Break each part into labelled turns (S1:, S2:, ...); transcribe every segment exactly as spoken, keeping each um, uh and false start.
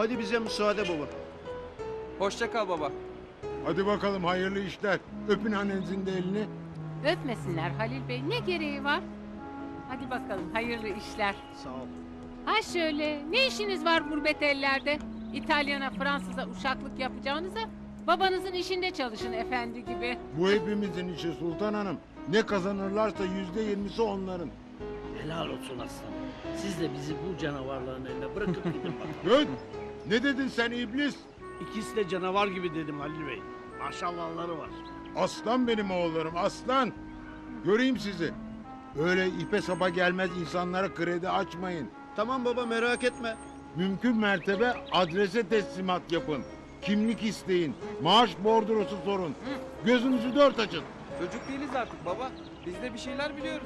S1: Hadi bize müsaade baba.
S2: Hoşça kal baba.
S3: Hadi bakalım hayırlı işler. Öpün annenizin de elini.
S4: Öpmesinler Halil Bey. Ne gereği var? Hadi bakalım hayırlı işler.
S1: Sağ ol.
S4: Ha şöyle, ne işiniz var gurbet ellerde? İtalyana, Fransız'a uşaklık yapacağınıza babanızın işinde çalışın efendi gibi.
S3: Bu hepimizin işi Sultan Hanım. Ne kazanırlarsa yüzde yirmisi onların.
S5: Helal olsun aslanım. Siz de bizi bu canavarların eline bırakıp gidin bakalım.
S3: Dön! Ne dedin sen iblis?
S5: İkisi de canavar gibi dedim Halil Bey. Maşallahları var.
S3: Aslan benim oğullarım, aslan. Göreyim sizi. Öyle ipe sapa gelmez insanlara kredi açmayın.
S1: Tamam baba, merak etme.
S3: Mümkün mertebe adrese teslimat yapın. Kimlik isteyin. Maaş bordrosu sorun. Gözünüzü dört açın.
S2: Çocuk değiliz artık baba. Biz de bir şeyler biliyoruz.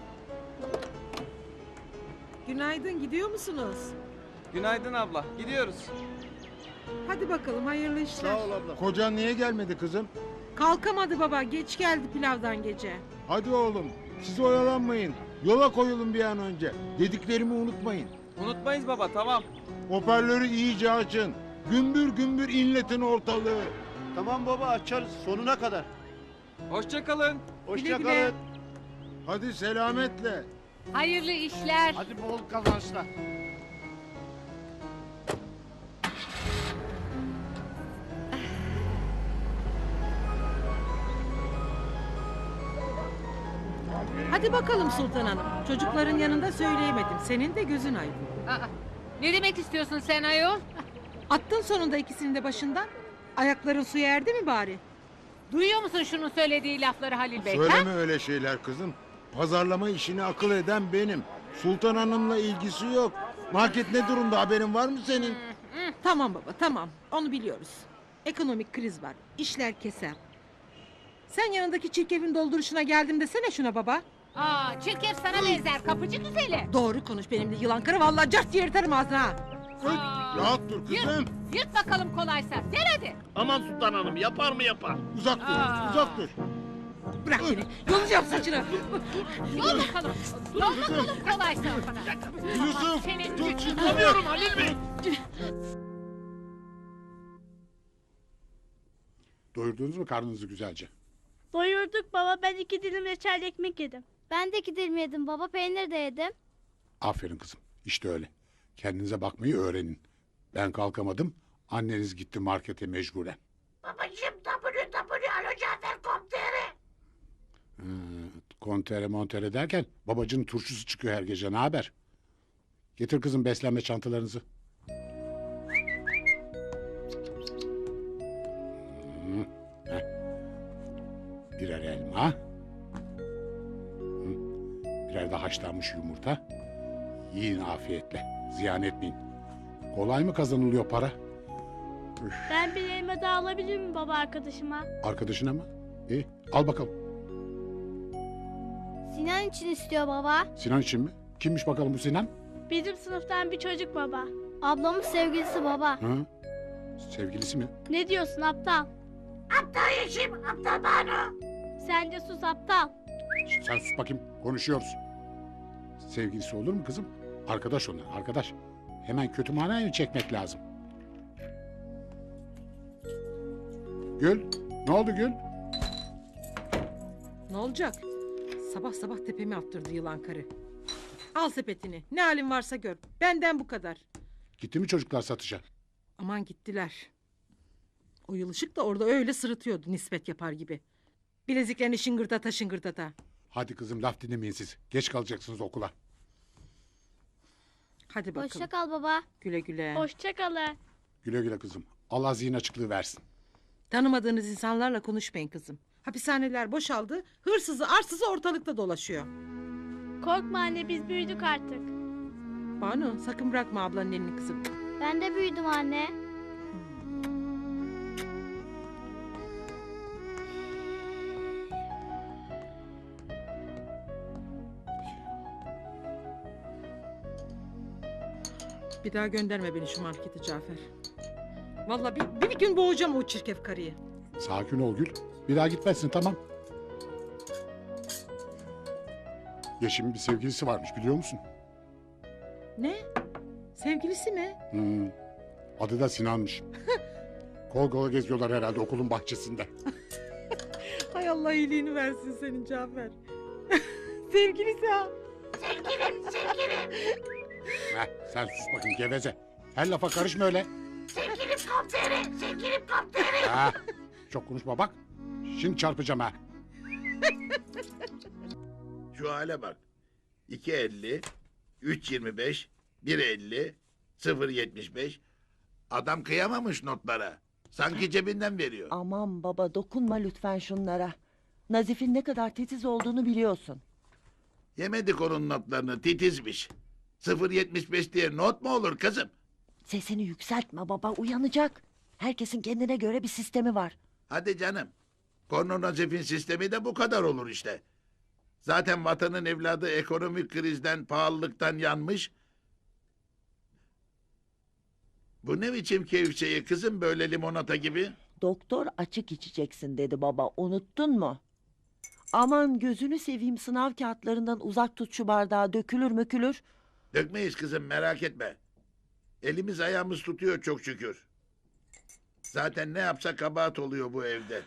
S6: Günaydın, gidiyor musunuz?
S2: Günaydın abla. Gidiyoruz.
S6: Hadi bakalım, hayırlı işler.
S1: Sağ ol abla.
S3: Kocan niye gelmedi kızım?
S6: Kalkamadı baba, geç geldi pilavdan gece.
S3: Hadi oğlum, siz oyalanmayın. Yola koyulun bir an önce. Dediklerimi unutmayın.
S2: Unutmayız baba, tamam.
S3: Hoparlörü iyice açın. Gümbür gümbür inletin ortalığı.
S1: Tamam baba, açarız sonuna kadar.
S2: Hoşça kalın.
S1: Hoşça
S6: Güle güle.
S1: kalın.
S3: Hadi selametle.
S4: Hayırlı işler.
S5: Hadi bol kazançlar.
S6: Hadi bakalım Sultan Hanım. Çocukların yanında söyleyemedim. Senin de gözün aydın.
S4: Aa, ne demek istiyorsun sen ayol?
S6: Attın sonunda ikisini de başından. Ayakların suya erdi mi bari?
S4: Duyuyor musun şunun söylediği lafları Halil Bey? ha?
S3: Söyleme öyle şeyler kızım. Pazarlama işini akıl eden benim. Sultan Hanım'la ilgisi yok. Market ne durumda, haberin var mı senin?
S6: Tamam baba, tamam. Onu biliyoruz. Ekonomik kriz var. İşler keser. Sen yanındaki çirkefin dolduruşuna geldim desene şuna baba.
S4: Aa, çirkef sana benzer kapıcı güzeli.
S6: Doğru konuş benimle yılan karı. Vallahi cart diye yırtarım ağzına. ha.
S4: Aa,
S3: Rahat dur kızım.
S4: Yırt, yırt bakalım kolaysa. Gel hadi.
S5: Aman Sultan Hanım yapar mı yapar?
S3: Uzak dur,
S4: Aa.
S3: uzak dur.
S6: Bırak beni. Yolacağım saçını.
S4: Yol bakalım. Yol bakalım kolaysa bana.
S3: Yusuf,
S4: Senin
S3: tut
S4: gücün-
S3: şunu.
S5: Tutamıyorum Halil Bey.
S7: Doyurdunuz mu karnınızı güzelce?
S8: Doyurduk baba, ben iki dilim reçel ekmek yedim.
S9: Ben de iki dilim yedim baba, peynir de yedim.
S7: Aferin kızım. İşte öyle. Kendinize bakmayı öğrenin. Ben kalkamadım. Anneniz gitti markete mecburen.
S5: Babacığım W W Alo Cafer Komiseri.
S7: Ee, kontere montere derken babacının turşusu çıkıyor her gece. Ne haber? Getir kızım beslenme çantalarınızı. Hı, heh. Birer elma. Hı, birer de haşlanmış yumurta. Yiyin afiyetle. Ziyan etmeyin. Kolay mı kazanılıyor para? Üf,
S8: Ben bir elma daha alabilir miyim baba arkadaşıma?
S7: arkadaşına mı? İyi, al bakalım.
S9: Sinan için istiyor baba.
S7: Sinan için mi? Kimmiş bakalım bu Sinan?
S8: Bizim sınıftan bir çocuk baba.
S9: Ablamın sevgilisi baba.
S7: Hı? Sevgilisi mi?
S8: Ne diyorsun aptal?
S5: Aptal Yeşim, aptal Banu.
S8: Sen de sus aptal.
S7: Şişt, sen sus bakayım. Konuşuyoruz. Sevgilisi olur mu kızım? Arkadaş onlar, arkadaş. Hemen kötü manaya çekmek lazım. Gül, ne oldu Gül?
S6: Ne olacak? Sabah sabah tepemi attırdı yılan karı. Al sepetini. Ne halin varsa gör. Benden bu kadar.
S7: Gitti mi çocuklar satışa?
S6: Aman gittiler. O yılışık da orada öyle sırıtıyordu nispet yapar gibi. Bileziklerini şıngırdata şıngırdata.
S7: Hadi kızım laf dinlemeyin siz. Geç kalacaksınız okula.
S6: Hadi bakalım.
S9: Hoşça kal baba.
S6: Güle güle.
S8: Hoşça kalın.
S7: Güle güle kızım. Allah zihin açıklığı versin.
S6: Tanımadığınız insanlarla konuşmayın kızım. Hapishaneler boşaldı. Hırsızı arsızı ortalıkta dolaşıyor.
S8: Korkma anne, biz büyüdük artık.
S6: Banu sakın bırakma ablanın elini kızım.
S9: Ben de büyüdüm anne.
S6: Bir daha gönderme beni şu markete Cafer. Vallahi bir, bir gün boğacağım o çirkef karıyı.
S7: Sakin ol Gül. Bir daha gitmezsin tamam. Yeşim'in bir sevgilisi varmış biliyor musun?
S6: Ne? Sevgilisi mi?
S7: Hmm. Adı da Sinan'mış. Kol kola geziyorlar herhalde okulun bahçesinde.
S6: Hay Allah iyiliğini versin senin Cafer. Sevgilisi ha.
S7: Heh, sen sus bakayım geveze. Her lafa karışma öyle.
S10: Sevgilim komiserim, sevgilim komiserim.
S7: Ha, çok konuşma bak. Şimdi çarpacağım ha.
S11: Şu hale bak. iki elli, üç yirmi beş, bir elli, sıfır yetmiş beş. Adam kıyamamış notlara. Sanki cebinden veriyor.
S10: Aman baba dokunma lütfen şunlara. Nazif'in ne kadar titiz olduğunu biliyorsun.
S11: Yemedik onun notlarını, titizmiş. sıfır yetmiş beş diye not mu olur kızım?
S10: Sesini yükseltme baba uyanacak. Herkesin kendine göre bir sistemi var.
S11: Hadi canım. Korno Nazif'in sistemi de bu kadar olur işte. Zaten vatanın evladı ekonomik krizden, pahalılıktan yanmış. Bu ne biçim keyif kızım böyle limonata gibi?
S10: Doktor açık içeceksin dedi baba unuttun mu? Aman gözünü seveyim sınav kağıtlarından uzak tut şu bardağı dökülür mükülür.
S11: Dökmeyiz kızım merak etme. Elimiz ayağımız tutuyor çok şükür. Zaten ne yapsa kabahat oluyor bu evde.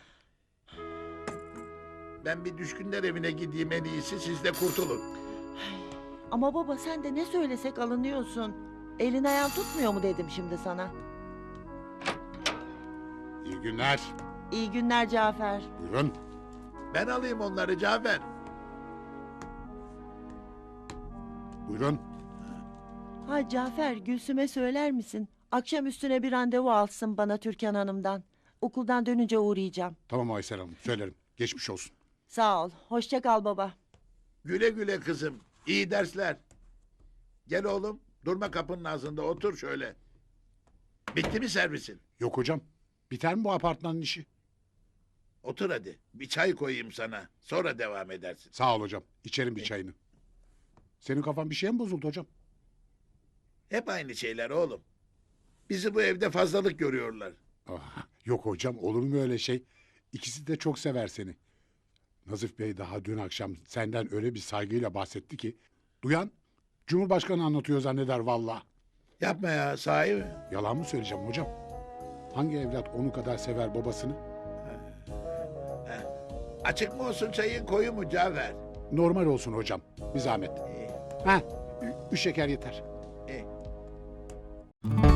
S11: Ben bir düşkünler evine gideyim en iyisi siz de kurtulun.
S10: Ama baba sen de ne söylesek alınıyorsun. Elin ayağın tutmuyor mu dedim şimdi sana.
S7: İyi günler.
S10: İyi günler Cafer.
S7: Buyurun.
S11: Ben alayım onları Cafer.
S7: Buyurun.
S10: Ha Cafer Gülsüm'e söyler misin? Akşam üstüne bir randevu alsın bana Türkan Hanım'dan. Okuldan dönünce uğrayacağım.
S7: Tamam Aysel Hanım söylerim. Geçmiş olsun.
S10: Sağ ol. Hoşça kal baba.
S11: Güle güle kızım. İyi dersler. Gel oğlum. Durma kapının ağzında otur şöyle. Bitti mi servisin?
S7: Yok hocam. Biter mi bu apartmanın işi?
S11: Otur hadi. Bir çay koyayım sana. Sonra devam edersin.
S7: Sağ ol hocam. İçerim bir çayını. Senin kafan bir şeye mi bozuldu hocam?
S11: Hep aynı şeyler oğlum. Bizi bu evde fazlalık görüyorlar.
S7: Ah, yok hocam olur mu öyle şey? İkisi de çok sever seni. Nazif Bey daha dün akşam senden öyle bir saygıyla bahsetti ki... Duyan Cumhurbaşkanı anlatıyor zanneder valla.
S11: Yapma ya sahi mi?
S7: Yalan mı söyleyeceğim hocam? Hangi evlat onu kadar sever babasını?
S11: Açık mı olsun çayın koyu mu Cafer?
S7: Normal olsun hocam. Bir zahmet.
S11: İyi,
S7: Ha, üç şeker yeter.
S11: iyi.